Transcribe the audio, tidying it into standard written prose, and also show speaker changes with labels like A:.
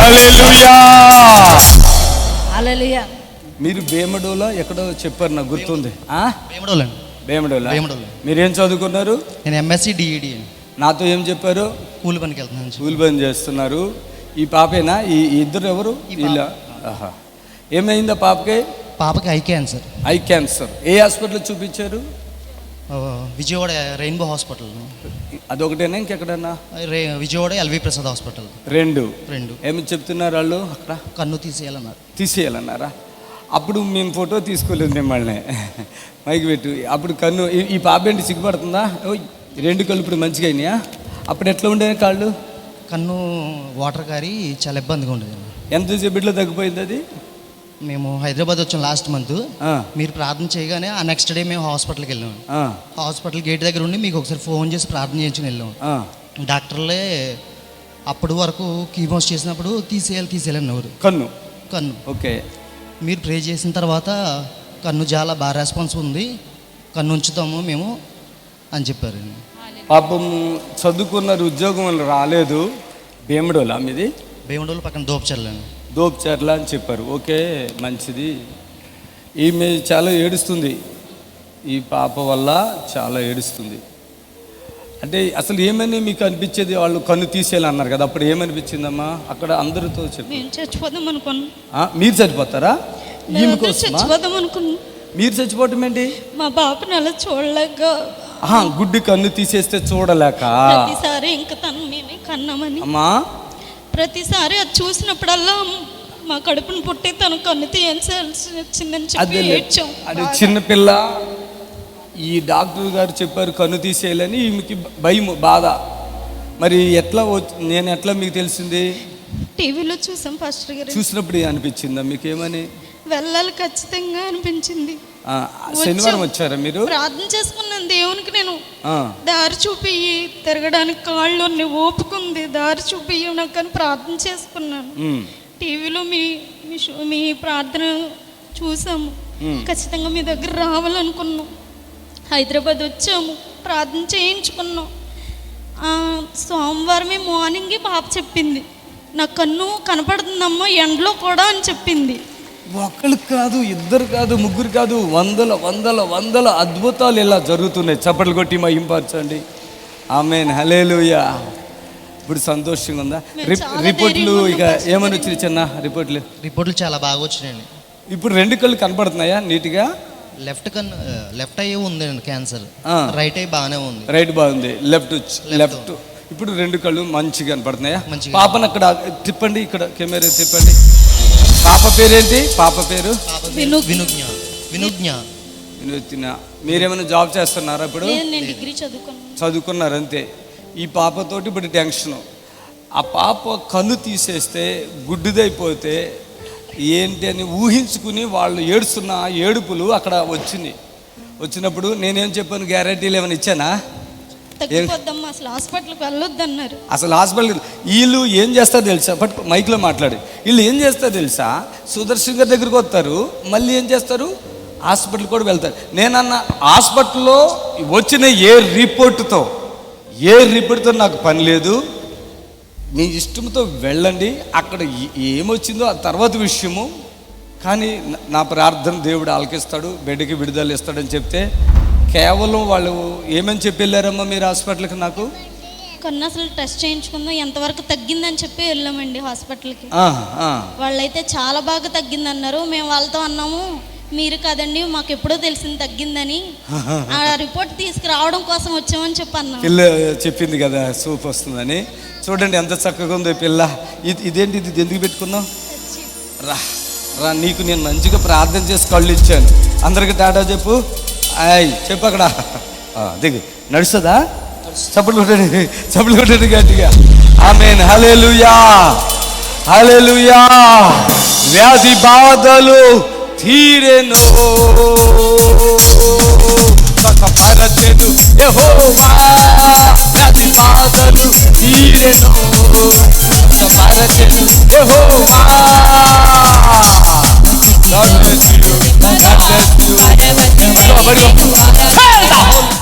A: హల్లెలూయా.
B: హల్లెలూయా.
A: మీరు బేమడోలా ఎక్కడో చెప్పారు, నాకు గుర్తుంది.
C: బేమడోలా.
A: మీరేం చదువుకున్నారు?
C: నేను ఎంఎస్సి డిఈడి.
A: నాతో ఏం చెప్పారు?
C: కూలి పనికి వెళ్తున్నాను.
A: కూలి పని చేస్తున్నారు. ఈ పాపేనా? ఈ ఇద్దరు ఎవరు? ఇలా. ఆహా. ఏమైందా పాపకి?
C: పాపకి ఐ క్యాన్సర్.
A: Eye cancer. ఏ హాస్పిటల్ చూపించారు?
C: Vijayawada rainbow hospital.
A: అదొకటేనా ఇంకెక్కడన్నా?
C: Vijayawada L V Prasad hospital.
A: రెండు.
C: ఏమి
A: చెప్తున్నారు వాళ్ళు అక్కడ?
C: కన్ను
A: తీసేయాలన్నారా? అప్పుడు మేము ఫోటో తీసుకోలేదు మిమ్మల్ని. మైకి పెట్టు. అప్పుడు కన్ను ఈ పాప ఏంటి సిగ్గుపడుతుందా? రెండు కళ్ళు ఇప్పుడు మంచిగా అయినాయా? అప్పుడు ఎట్లా ఉండేది కాళ్ళు?
C: కన్ను వాటర్ కారి చాలా ఇబ్బందిగా ఉండేది.
A: ఎంతసేపట్లో తగ్గిపోయింది అది?
C: మేము హైదరాబాద్ వచ్చాం లాస్ట్ మంత్. మీరు ప్రార్థన చేయగానే ఆ నెక్స్ట్ డే మేము హాస్పిటల్కి వెళ్ళాము. హాస్పిటల్ గేట్ దగ్గర ఉండి మీకు ఒకసారి ఫోన్ చేసి ప్రార్థన చేయించుకుని వెళ్ళాము. డాక్టర్లే అప్పటి వరకు కీమోస్ చేసినప్పుడు తీసేయాలన్నారు. కన్ను
A: ఓకే.
C: మీరు ప్రే చేసిన తర్వాత కన్ను చాలా బాగా రెస్పాన్స్ ఉంది, కన్ను ఉంచుతాము మేము అని చెప్పారు.
A: పాపం చదువుకున్నారు, ఉద్యోగం రాలేదు. బేమడోలా మీది?
C: బేమడోలు పక్కన
A: దోప్చర్ల అని చెప్పారు. ఓకే, మంచిది. ఈమె చాలా ఏడుస్తుంది. ఈ పాప వల్ల చాలా ఏడుస్తుంది. అంటే అసలు ఏమని మీకు అనిపించేది? వాళ్ళు కన్ను తీసేయాలన్నారు కదా, అప్పుడు ఏమనిపించిందమ్మా? అక్కడ అందరితో చెప్పి
B: చచ్చిపోదాం అనుకున్నా.
A: మీరు చచ్చిపోతారా? మీరు చచ్చిపోవటం ఏంటి?
B: మా బాబుని అలా చూడలేక.
A: గుడ్డి కన్ను తీసేస్తే చూడలేక
B: ప్రతిసారి ఇంకా తను మేమే కన్నామని
A: అమ్మా,
B: ప్రతిసారి అది చూసినప్పుడల్లా మా కడుపును పుట్టి తను కన్ను తీయాల్సి వచ్చిందని చెప్పి ఏడ్చాం.
A: అది చిన్నపిల్ల. ఈ డాక్టర్ గారు చెప్పారు కన్ను తీసేయాలని. ఈమెకి భయం, బాధ. మరి ఎట్లా నేను ఎట్లా మీకు తెలిసింది?
B: టీవీలో చూసాం పాస్టర్ గారు.
A: చూసినప్పుడు అనిపించిందా మీకు? ఏమని?
B: వెళ్ళాలి ఖచ్చితంగా అనిపించింది.
A: శనివారం వచ్చారా మీరు?
B: ప్రార్థన చేసుకున్నాను దేవునికి. నేను దారి చూపి తిరగడానికి కాళ్ళు ఓపుకుంది, దారి చూపి నాకు అని ప్రార్థన చేసుకున్నాను. టీవీలో మీ ప్రార్థన చూసాము. ఖచ్చితంగా మీ దగ్గర రావాలనుకున్నాం. హైదరాబాద్ వచ్చాము, ప్రార్థన చేయించుకున్నాం. సోమవారమే మార్నింగ్ పాప చెప్పింది, నా కన్ను కనపడుతుందమ్మా ఎండలో కూడా అని చెప్పింది.
A: ఒకళ్ళు కాదు, ఇద్దరు కాదు, ముగ్గురు కాదు, వందల వందల వందల అద్భుతాలు ఇలా జరుగుతున్నాయి. చప్పట్లు కొట్టి మహింపరచండి. ఆమేన్, హల్లెలూయా. ఇప్పుడు సంతోషంగా ఉందా? రిపోర్ట్లు ఇక ఏమని వచ్చినాయి? చిన్న రిపోర్ట్లు
C: చాలా బాగా వచ్చినాయండి.
A: ఇప్పుడు రెండు కళ్ళు కనపడుతున్నాయా నీట్గా?
C: లెఫ్ట్ ఐ ఉందండి క్యాన్సర్, రైట్ ఐ బాగానే ఉంది.
A: రైట్ బాగుంది, లెఫ్ట్. ఇప్పుడు రెండు కళ్ళు మంచిగా కనపడుతున్నాయా? పాపను అక్కడ తిప్పండి, ఇక్కడ కెమెరా తిప్పండి. పాప పేరేంటి? పాప పేరు
C: వినుజ్ఞ.
A: మీరేమైనా జాబ్ చేస్తున్నారా? ఇప్పుడు
B: డిగ్రీ
A: చదువుకున్నారు అంతే. ఈ పాపతోటి ఇప్పుడు టెన్షన్. ఆ పాప కన్ను తీసేస్తే గుడ్డిదైపోతే ఏంటి అని ఊహించుకుని వాళ్ళు ఏడుస్తున్న ఏడుపులు అక్కడ వచ్చినప్పుడు నేనేం చెప్పాను? గ్యారంటీలు ఏమైనా ఇచ్చానా?
B: అసలు హాస్పిటల్కి వెళ్ళొద్దన్నారు.
A: అసలు హాస్పిటల్ వీళ్ళు ఏం చేస్తారో తెలుసా? బట్ మైక్లో మాట్లాడి వీళ్ళు ఏం చేస్తారో తెలుసా? సుదర్శన్ గారి దగ్గరికి వస్తారు, మళ్ళీ ఏం చేస్తారు? హాస్పిటల్ కూడా వెళ్తారు. నేనన్నా హాస్పిటల్లో వచ్చిన ఏ రిపోర్టుతో నాకు పని లేదు, మీ ఇష్టంతో వెళ్ళండి. అక్కడ ఏమొచ్చిందో ఆ తర్వాత విషయము. కానీ నా ప్రార్థన దేవుడు ఆలకిస్తాడు, బిడ్డకి విడుదల ఇస్తాడని చెప్తే కేవలం వాళ్ళు ఏమని చెప్పి వెళ్ళారమ్మా మీరు హాస్పిటల్కి? నాకు
B: కన్ను అసలు టెస్ట్ చేయించుకుందాం, ఎంతవరకు తగ్గిందని చెప్పి వెళ్ళామండి హాస్పిటల్కి. వాళ్ళైతే చాలా బాగా తగ్గింది అన్నారు. మేము వాళ్ళతో అన్నాము, మీరు కాదండి మాకు ఎప్పుడో తెలిసింది తగ్గిందని, ఆ రిపోర్ట్ తీసుకురావడం కోసం వచ్చామని చెప్పి అన్నాం.
A: పిల్ల చెప్పింది కదా సూప్ వస్తుందని. చూడండి ఎంత చక్కగా ఉందో పిల్ల. ఇదేంటి? ఇది ఎందుకు పెట్టుకున్నావు? రా నీకు నేను మంచిగా ప్రార్థన చేసి కళ్ళు ఇచ్చాను. అందరికి టాటా చెప్పు. చెప్పు అక్కడ దిగు. నడుస్తుందా? చప్పట్లు కొట్టండి గట్టిగా. ఆమేన్, హల్లెలూయా, హల్లెలూయా. వ్యాధి బాధలు తీరెను, సుఖపరచెను యెహోవా. వ్యాధి బాధలు తీరెను, సుఖపరచెను యెహోవా. God bless you. God bless you.